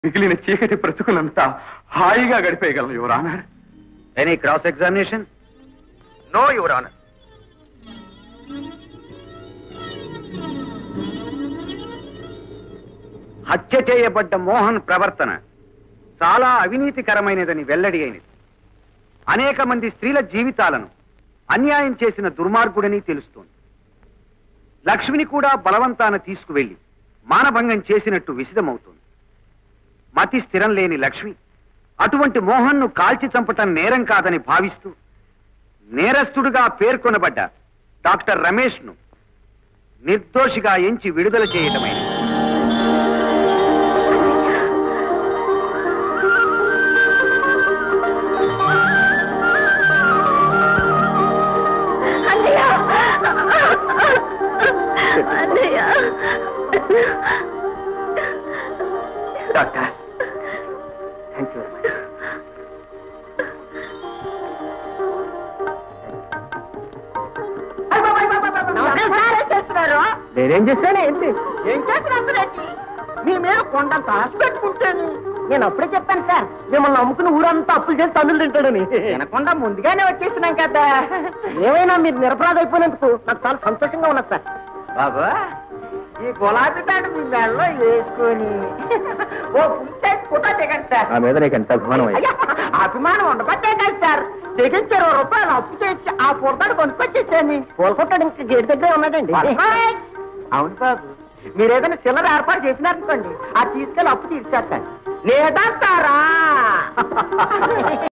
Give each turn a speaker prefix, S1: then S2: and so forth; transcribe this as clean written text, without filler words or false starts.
S1: మిగిలిన చీకటి బ్రతుకులంతా హాయిగా గడిపేయగలం your honour.
S2: Any cross examination?
S1: No your honour.
S2: హత్య చేయబడ్డ మోహన్ ప్రవర్తన చాలా అవినీతికరమైనదని వెల్లడి అయినది. అనేక మంది స్త్రీల జీవితాలను అన్యాయం చేసిన దుర్మార్గుడని తెలుస్తోంది. లక్ష్మిని కూడా బలవంతాన తీసుకువెళ్లి మానభంగం చేసినట్టు విసిదమవుతోంది. మతి స్థిరం లేని లక్ష్మి అటువంటి మోహన్ను కాల్చి చంపటం నేరం కాదని భావిస్తూ నేరస్తుడుగా పేర్కొనబడ్డ డాక్టర్ రమేష్ను నిర్దోషిగా ఎంచి విడుదల చేయటమైనది.
S1: Doctor, thank you.
S3: నేనేం చేశాను ఏంటి? ఏం చేస్తున్నా మీ మీద కొండంత ఆశ పెట్టుకుంటాను. నేను అప్పుడే చెప్పాను సార్, మిమ్మల్ని నమ్ముకుని ఊరంతా అప్పులు చేసి తన్నులు తింటాడని. వినకుండా ముందుగానే వచ్చేసినాం కదా. ఏమైనా మీరు నిరపరాధ అయిపోయినందుకు నాకు చాలా సంతోషంగా ఉన్నది సార్. బాబా, ఈ గులాబీ తాడు మీ మెడలో వేసుకొని ఓ పుట్టే ఫోటో దిగండి సార్.
S1: నా మీద నీకు ఎంత అభిమానం అయ్యా?
S3: అభిమానం ఉండబట్టే కదా సార్ తెగించి 20 రూపాయలు అప్పు చేసి ఆ ఫోటోడు కొనుక్కొచ్చేసాను. పూలకొట్టాడు ఇంకా గేట్ దగ్గరే ఉన్నదండి. అవును బాబు, మీరు ఏదైనా చిల్లర ఏర్పాటు చేసినారనుకోండి, ఆ తీసుకెళ్ళి అప్పు తీర్చేస్తాను. లేదంటారా?